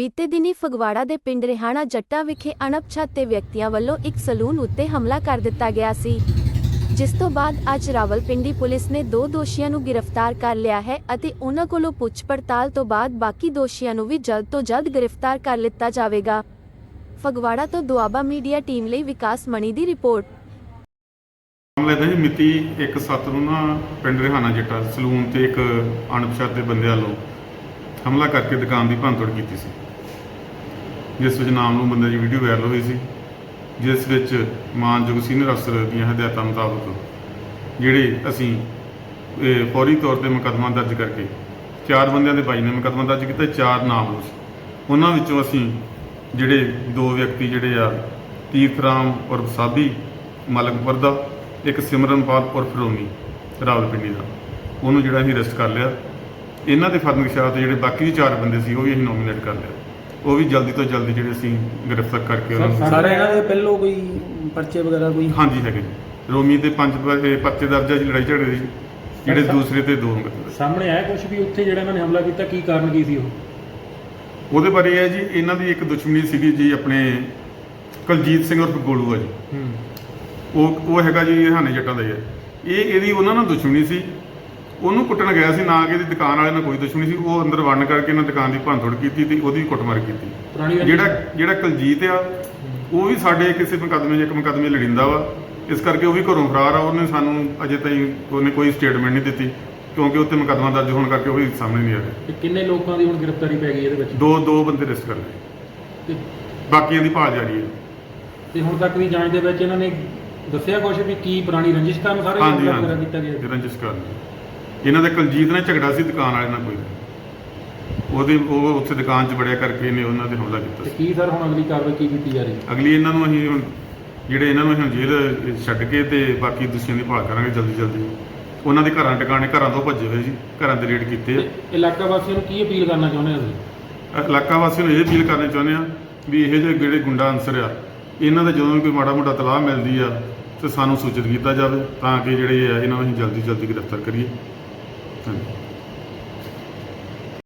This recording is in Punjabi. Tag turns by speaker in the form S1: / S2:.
S1: ਬੀਤੇ ਦਿਨੀ ਫਗਵਾੜਾ ਦੇ ਪਿੰਡ ਰਿਹਾਣਾ ਜੱਟਾ ਵਿਖੇ ਅਣਪਛਾਤੇ ਵਿਅਕਤੀਆਂ ਵੱਲੋਂ ਇੱਕ ਸਲੂਨ ਉੱਤੇ ਹਮਲਾ ਕਰ ਦਿੱਤਾ ਗਿਆ ਸੀ, ਜਿਸ ਤੋਂ ਬਾਅਦ ਅੱਜ ਰਾਵਲਪਿੰਡੀ ਪੁਲਿਸ ਨੇ 2 ਦੋਸ਼ੀਆਂ ਨੂੰ ਗ੍ਰਿਫਤਾਰ ਕਰ ਲਿਆ ਹੈ ਅਤੇ ਉਨ੍ਹਾਂ ਕੋਲੋਂ ਪੁੱਛ ਪੜਤਾਲ ਤੋਂ ਬਾਅਦ ਬਾਕੀ ਦੋਸ਼ੀਆਂ ਨੂੰ ਵੀ ਜਲਦ ਤੋਂ ਜਲਦ ਗ੍ਰਿਫਤਾਰ ਕਰ ਲਿੱਤਾ ਜਾਵੇਗਾ। ਫਗਵਾੜਾ ਤੋਂ ਦੁਆਬਾ ਮੀਡੀਆ ਟੀਮ ਲਈ ਵਿਕਾਸ ਮਣੀ ਦੀ ਰਿਪੋਰਟ।
S2: ਮਾਮਲੇ ਦਾ ਜੀ ਮਿਤੀ 1/7 ਨੂੰ ਨਾ ਪਿੰਡ ਰਿਹਾਣਾ ਜੱਟਾ ਸਲੂਨ ਤੇ ਇੱਕ ਅਣਪਛਾਤੇ ਬੰਦੇ ਵੱਲੋਂ ਹਮਲਾ ਕਰਕੇ ਦੁਕਾਨ ਦੀ ਭੰਨਤੋੜ ਕੀਤੀ ਸੀ, ਜਿਸ ਵਿੱਚ ਨਾਮਲੂਮ ਬੰਦੇ ਦੀ ਵੀਡੀਓ ਵਾਇਰਲ ਹੋਈ ਸੀ, ਜਿਸ ਵਿੱਚ ਮਾਨਯੋਗ ਸੀਨੀਅਰ ਅਫਸਰ ਦੀਆਂ ਹਦਾਇਤਾਂ ਮੁਤਾਬਕ ਜਿਹੜੇ ਅਸੀਂ ਫੌਰੀ ਤੌਰ ਤੇ ਮੁਕੱਦਮਾ ਦਰਜ ਕਰਕੇ 4 ਬੰਦਿਆਂ ਦੇ ਬਾਈ ਨੇ ਮੁਕੱਦਮਾ ਦਰਜ ਕੀਤਾ। 4 ਨਾਮਲੂਮ ਸੀ, ਉਹਨਾਂ ਵਿੱਚੋਂ ਅਸੀਂ ਜਿਹੜੇ 2 ਵਿਅਕਤੀ ਜਿਹੜੇ ਆ ਤੀਰਥ ਰਾਮ ਔਰ ਸਾਬੀ ਮਲਕਪੁਰ ਦਾ, ਇੱਕ ਸਿਮਰਨਪਾਲ ਉਰਫ ਰੋਮੀ ਰਾਵਲਪਿੰਡੀ ਦਾ, ਉਹਨੂੰ ਜਿਹੜਾ ਅਸੀਂ ਅਰੈਸਟ ਕਰ ਲਿਆ। ਇਹਨਾਂ ਦੇ ਫਰਮਾਇਸ਼ਾਂ ਤੇ ਜਿਹੜੇ ਬਾਕੀ ਦੇ 4 ਬੰਦੇ ਸੀ ਉਹ ਵੀ ਅਸੀਂ ਨੋਮੀਨੇਟ ਕਰ ਲਿਆ, ਉਹ ਵੀ ਜਲਦੀ ਤੋਂ ਜਲਦੀ ਜਿਹੜੇ ਅਸੀਂ ਗ੍ਰਿਫਤਾਰ ਕਰਕੇ ਉਹਨਾਂ ਨੂੰ
S3: ਸਾਰੇ ਇਹਨਾਂ ਦੇ ਪਹਿਲੋਂ ਕੋਈ ਪਰਚੇ ਵਗੈਰਾ ਕੋਈ?
S2: ਹਾਂਜੀ ਹੈਗੇ ਜੀ। ਰੋਮੀ ਦੇ 5 ਪਰਚੇ ਦਰਜ ਆ ਜੀ ਲੜਾਈ ਝਗੜੇ ਦੀ, ਜਿਹੜੇ ਦੂਸਰੇ ਤੇ 2 ਮੁਕੱਦਮੇ
S4: ਸਾਹਮਣੇ ਆਇਆ ਕੁਝ ਵੀ ਉੱਥੇ ਜਿਹੜਾ ਇਹਨਾਂ ਨੇ ਹਮਲਾ ਕੀਤਾ, ਕੀ ਕਾਰਨ ਕੀ ਸੀ
S2: ਉਹਦੇ ਬਾਰੇ ਹੈ ਜੀ। ਇਹਨਾਂ ਦੀ ਇੱਕ ਦੁਸ਼ਮਣੀ ਸੀਗੀ ਜੀ, ਆਪਣੇ ਕੁਲਜੀਤ ਸਿੰਘ ਉਰਫ ਗੋਲੂ ਆ ਜੀ, ਉਹ ਹੈਗਾ ਜੀ ਰਿਹਾਣੇ ਜੱਟਾਂ ਦਾ ਹੀ ਹੈ। ਇਹਦੀ ਉਹਨਾਂ ਨਾਲ ਦੁਸ਼ਮਣੀ ਸੀ, ਉਹਨੂੰ ਕੁੱਟਣ ਗਿਆ ਸੀ, ਨਾ ਕਿ ਇਹਦੀ ਦੁਕਾਨ ਵਾਲੇ ਨਾਲ ਕੋਈ ਦੁਸ਼ਮਣੀ ਸੀ। ਉਹ ਅੰਦਰ ਵੜਨ ਕਰਕੇ ਇਹਨਾਂ ਦੁਕਾਨ ਦੀ ਭੰਨਤੋੜ ਕੀਤੀ ਤੇ ਉਹਦੀ ਕੁੱਟਮਾਰ ਕੀਤੀ। ਜਿਹੜਾ ਕੁਲਜੀਤ ਆ ਉਹ ਵੀ ਸਾਡੇ ਕਿਸੇ ਮੁਕੱਦਮੇ 'ਚ ਇੱਕ ਮੁਕੱਦਮੇ ਲੜਿੰਦਾ ਵਾ, ਇਸ ਕਰਕੇ ਉਹ ਵੀ ਘਰੋਂ ਫਰਾਰ ਆ। ਉਹਨੇ ਸਾਨੂੰ ਅਜੇ ਤਾਈਂ ਉਹਨੇ ਕੋਈ ਸਟੇਟਮੈਂਟ ਨਹੀਂ ਦਿੱਤੀ, ਕਿਉਂਕਿ ਉੱਤੇ ਮੁਕੱਦਮਾ ਦਰਜ ਹੋਣ ਕਰਕੇ ਉਹ ਵੀ ਸਾਹਮਣੇ ਨਹੀਂ ਆ ਰਿਹਾ।
S4: ਕਿੰਨੇ ਲੋਕਾਂ ਦੀ ਹੁਣ ਗ੍ਰਿਫਤਾਰੀ ਪੈ ਗਈ ਇਹਦੇ ਵਿੱਚ?
S2: 2 ਬੰਦੇ ਅਰੈਸਟ ਕਰ ਲਏ, ਬਾਕੀਆਂ ਦੀ ਭਾਲ ਜਾਰੀ ਹੈ।
S4: ਤੇ ਹੁਣ ਤੱਕ ਦੀ ਜਾਂਚ ਦੇ ਵਿੱਚ ਇਹਨਾਂ ਨੇ ਦੱਸਿਆ ਕੁਝ ਵੀ ਕੀ ਪੁਰਾਣੀ ਰੰਜਿਸ਼ ਕਾਰਨ ਸਾਰੇ ਹਮਲਾ ਕੀਤਾ ਗਿਆ?
S2: ਰੰਜਿਸ਼ ਕਾਰਨ ਇਹਨਾਂ ਦੇ ਕੁਲਜੀਤ ਨਾਲ ਝਗੜਾ ਸੀ ਦੁਕਾਨ ਵਾਲੇ ਨਾਲ, ਕੋਈ ਉਹ ਉੱਥੇ ਦੁਕਾਨ 'ਚ ਵੜਿਆ ਕਰਕੇ ਇਹਨੇ ਉਹਨਾਂ ਤੇ ਹਮਲਾ ਕੀਤਾ ਸੀ।
S4: ਕੀ ਸਰ ਹੁਣ ਅਗਲੀ ਕਾਰਵਾਈ ਕੀ ਕੀਤੀ ਜਾ ਰਹੀ ਹੈ?
S2: ਅਗਲੀ ਇਹਨਾਂ ਨੂੰ ਅਸੀਂ ਹੁਣ ਇਹਨਾਂ ਨੂੰ ਜੇਲ੍ਹ ਛੱਡ ਕੇ ਤੇ ਬਾਕੀ ਦੋਸ਼ੀਆਂ ਦੀ ਭਾਲ ਕਰਾਂਗੇ ਜਲਦੀ। ਉਹਨਾਂ ਦੇ ਘਰਾਂ ਟਿਕਾਣੇ ਘਰਾਂ ਤੋਂ ਭੱਜੇ ਹੋਏ ਜੀ, ਘਰਾਂ ਦੇ ਰੇਡ ਕੀਤੇ ਆ।
S4: ਇਲਾਕਾ ਵਾਸੀਆਂ ਨੂੰ ਕੀ ਅਪੀਲ ਕਰਨਾ ਚਾਹੁੰਦੇ ਹੋ ਤੁਸੀਂ?
S2: ਇਲਾਕਾ ਵਾਸੀਆਂ ਨੂੰ ਇਹ ਅਪੀਲ ਕਰਨੀ ਚਾਹੁੰਦੇ ਆ ਵੀ ਇਹ ਜਿਹੜੇ ਗੁੰਡਾ ਅਨਸਰ ਆ, ਇਹਨਾਂ ਦਾ ਜਦੋਂ ਵੀ ਕੋਈ ਮਾੜਾ ਮੋਟਾ ਤਲਾਹ ਮਿਲਦੀ ਆ ਤੇ ਸਾਨੂੰ ਸੂਚਿਤ ਕੀਤਾ ਜਾਵੇ, ਤਾਂ ਕਿ ਜਿਹੜੇ ਆ ਇਹਨਾਂ ਨੂੰ ਅਸੀਂ ਜਲਦੀ ਗ੍ਰਿਫਤਾਰ ਕਰੀਏ। ਧੰਨਵਾਦ।